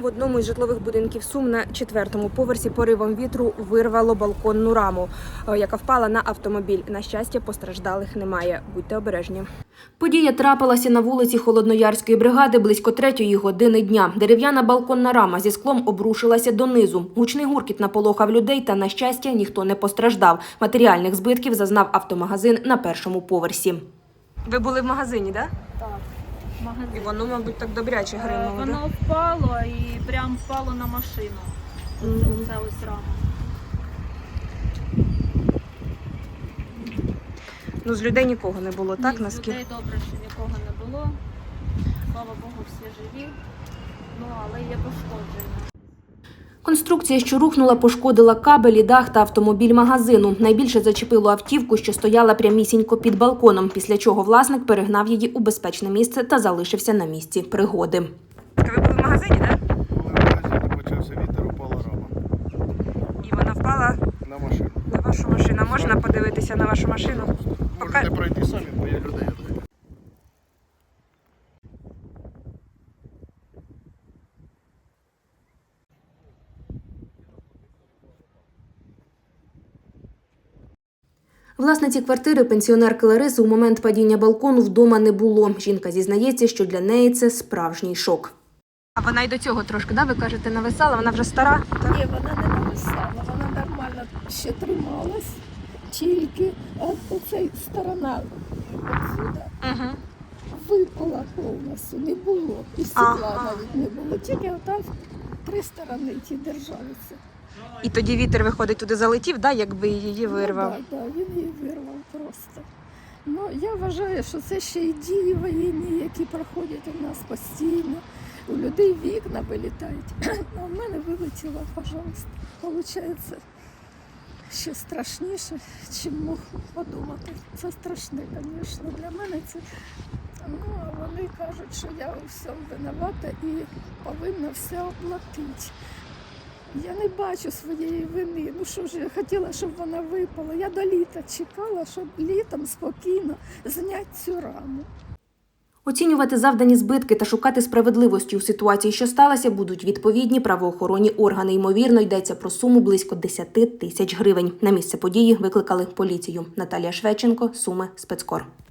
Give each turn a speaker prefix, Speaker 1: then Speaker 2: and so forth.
Speaker 1: В одному із житлових будинків Сум на 4-му поверсі поривом вітру вирвало балконну раму, яка впала на автомобіль. На щастя, постраждалих немає. Будьте обережні. Подія трапилася на вулиці Холодноярської бригади близько 3-ї години дня. Дерев'яна балконна рама зі склом обрушилася донизу. Гучний гуркіт наполохав людей та, на щастя, ніхто не постраждав. Матеріальних збитків зазнав автомагазин на 1-му поверсі. Ви були в магазині, так?
Speaker 2: Так, магазин.
Speaker 1: І воно, мабуть, так добряче гримало, так?
Speaker 2: Воно впало і прям впало на машину. Оце ось рама.
Speaker 1: Ну, з людей нікого не було, так?
Speaker 2: Ні, з людей добре, що нікого не було. Слава Богу, всі живі. Ну, але є пошкодження.
Speaker 1: Конструкція, що рухнула, пошкодила кабелі, дах та автомобіль магазину. Найбільше зачепило автівку, що стояла прямісінько під балконом, після чого власник перегнав її у безпечне місце та залишився на місці пригоди. Ви були в магазині, так?
Speaker 3: Коли в магазині почався вітер, упала рама.
Speaker 1: І вона впала
Speaker 3: На машину.
Speaker 1: на вашу машину. Можна подивитися на вашу машину?
Speaker 3: Можете пройти самі, бо я людей.
Speaker 1: Власниці квартири, пенсіонерки Лариси, у момент падіння балкону вдома не було. Жінка зізнається, що для неї це справжній шок. А вона й до цього трошки, ви кажете, нависала? Вона вже стара?
Speaker 4: Ні, вона не нависала, вона нормально ще трималась, тільки оцей сторона отсюда випала повністю, не було, і стекла навіть не було, тільки отак 3 сторони ті держалися.
Speaker 1: І тоді вітер, виходить, туди залетів, якби її вирвав?
Speaker 4: Ну, так, він її вирвав просто. Ну, я вважаю, що це ще й дії воєнні, які проходять у нас постійно. У людей вікна вилітають, а в мене вилетіло, пожалуйста. Получається, ще страшніше, чим мог подумати. Це страшне, звісно, для мене це. Ну, а вони кажуть, що я у всьому винувата і повинна все оплатити. Я не бачу своєї вини. Ну що ж, я хотіла, щоб вона випала. Я до літа чекала, щоб літом спокійно зняти цю раму.
Speaker 1: Оцінювати завдані збитки та шукати справедливості у ситуації, що сталося, будуть відповідні правоохоронні органи. Ймовірно, йдеться про суму близько 10 тисяч гривень. На місце події викликали поліцію. Наталія Шведченко, Суми, Спецкор.